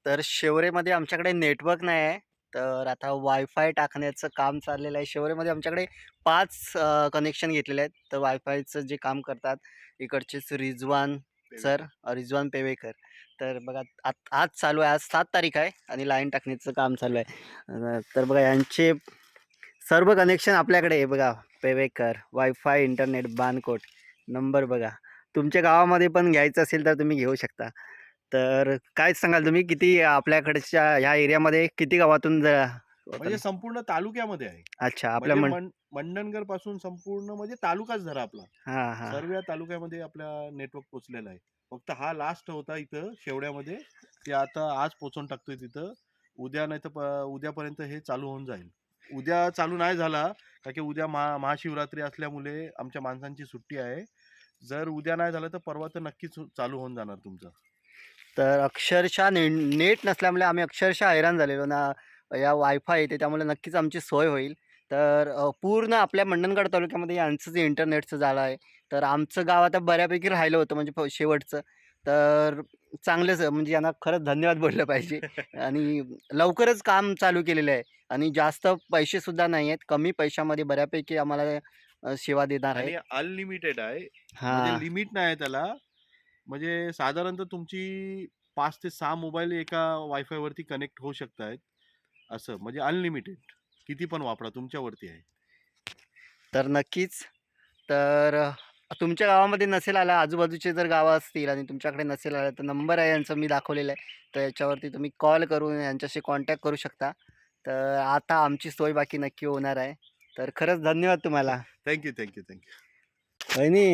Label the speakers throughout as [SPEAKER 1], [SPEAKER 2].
[SPEAKER 1] तर शिवरेमध्ये आमच्याकडे नेटवर्क नाही आहे. तर आता वायफाय टाकण्याचं काम चाललेलं आहे. शिवरेमध्ये आमच्याकडे 5 कनेक्शन घेतलेले आहेत. तर वायफायचं जे काम करतात इकडचेच रिजवान सर, रिजवान पेवेकर. तर बघा आज चालू आहे. आज 7 तारीख आहे आणि लाईन टाकण्याचं काम चालू आहे. तर बघा यांचे सर्व कनेक्शन आपल्याकडे आहे बघा. Pevekar, wifi, internet, Bankot. Number बघा. तुमच्या गावामध्ये पण घ्यायचं असेल तर तुम्ही घेऊ शकता. तर काय सांगाल तुम्ही किती आपल्याकडच्या ह्या एरियामध्ये किती गावातून
[SPEAKER 2] म्हणजे संपूर्ण तालुक्यामध्ये आहे.
[SPEAKER 1] अच्छा आपल्या
[SPEAKER 2] म्हणजे मंडणगड पासून संपूर्ण म्हणजे तालुकाच धरा आपला.
[SPEAKER 1] हां, हां.
[SPEAKER 2] सर्व तालुक्यामध्ये आपला नेटवर्क पोहोचलेला आहे. फक्त हा लास्ट होता इथं शेवड्यामध्ये. ते आता आज पोहोचवून टाकतोय तिथं. उद्या नाहीतर उद्यापर्यंत हे चालू होऊन जाईल. उद्या चालू नाही झाला, कारण की उद्या महाशिवरात्री असल्यामुळे आमच्या माणसांची सुट्टी आहे. जर उद्या नाही झालं तर परवा तर नक्कीच चालू होऊन जाणार तुमचं.
[SPEAKER 1] तर अक्षरशः नेट नसल्यामुळे आम्ही अक्षरशः हैराण झालेलो ना. या वायफाय येते त्यामुळे नक्कीच आमची सोय होईल. तर पूर्ण आपल्या मंडणगड तालुक्यामध्ये यांचं जे इंटरनेटचं जाळं आहे. तर आमचं गाव आता बऱ्यापैकी राहिलं होतं म्हणजे शेवटचं. तर चांगलंच म्हणजे यांना खरंच धन्यवाद बोललं पाहिजे. आणि लवकरच काम चालू केलेलं आहे आणि जास्त पैसेसुद्धा नाही आहेत. कमी पैशामध्ये बऱ्यापैकी आम्हाला सेवा देणार आहेत.
[SPEAKER 2] आणि अनलिमिटेड आहे. म्हणजे
[SPEAKER 1] हां.
[SPEAKER 2] लिमिट नाही आहे त्याला. म्हणजे साधारणतः तुमची 5 ते 6 मोबाईल एका वायफायवरती कनेक्ट होऊ शकतायत. असं म्हणजे अनलिमिटेड. किती पण वापरा तुमच्यावरती आहे.
[SPEAKER 1] तर नक्कीच. तर तुमच्या गावामध्ये नसेल आला, आजूबाजूचे जर गावं असतील आणि तुमच्याकडे नसेल आलं, तर नंबर आहे यांचा मी दाखवलेला आहे. तर याच्यावरती तुम्ही कॉल करून यांच्याशी कॉन्टॅक्ट करू शकता. तर आता आमची सोय बाकी नक्की होणार आहे. तर खरंच धन्यवाद तुम्हाला.
[SPEAKER 2] Thank you, thank you, thank you.
[SPEAKER 1] वहिनी,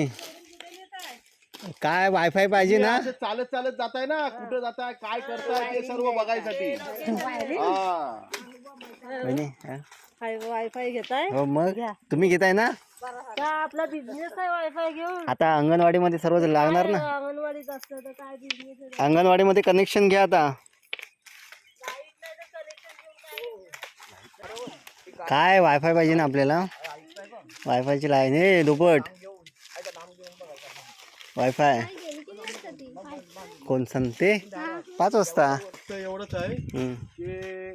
[SPEAKER 1] काय वायफाय पाहिजे ना?
[SPEAKER 2] असं चालत चालत जाताय ना, कुठं जाताय, काय करताय ते सर्व बघायसाठी. हा.
[SPEAKER 1] वहिनी, हां.
[SPEAKER 3] वायफाय घेताय?
[SPEAKER 1] हो मग
[SPEAKER 3] घ्या.
[SPEAKER 1] तुम्ही घेताय ना?
[SPEAKER 3] का आपला बिझनेस आहे वायफाय घेऊन?
[SPEAKER 1] आता अंगणवाडीमध्ये सर्व लागणार ना?
[SPEAKER 3] अंगणवाडीत असलं तर काय बिझनेस आहे?
[SPEAKER 1] अंगणवाडीमध्ये कनेक्शन घ्या आता.
[SPEAKER 3] लाईट नाही तर कनेक्शन घेऊन काय?
[SPEAKER 1] काय वायफाय पाहिजे ना आपल्याला? वायफायची लाईन हे दुपट वायफाय कोण सांगते 5 वाजता.
[SPEAKER 2] फक्त एवढंच आहे
[SPEAKER 1] हम्म.
[SPEAKER 2] की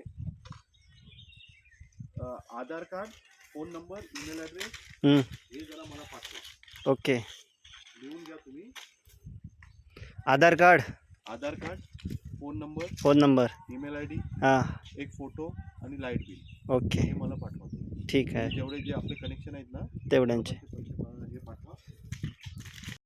[SPEAKER 2] Aadhaar card, phone number, email address
[SPEAKER 1] हम्म.
[SPEAKER 2] हे जरा मला पाठवा.
[SPEAKER 1] ओके.
[SPEAKER 2] लिहून घ्या तुम्ही.
[SPEAKER 1] Aadhaar card,
[SPEAKER 2] phone
[SPEAKER 1] phone number,
[SPEAKER 2] email ID,
[SPEAKER 1] हां.
[SPEAKER 2] एक फोटो आणि लाईट बिल
[SPEAKER 1] ओके,
[SPEAKER 2] हे मला पाठवा.
[SPEAKER 1] ठीक आहे.
[SPEAKER 2] जेवढे जे आपले कनेक्शन आहेत ना
[SPEAKER 1] तेवढ्यांचे.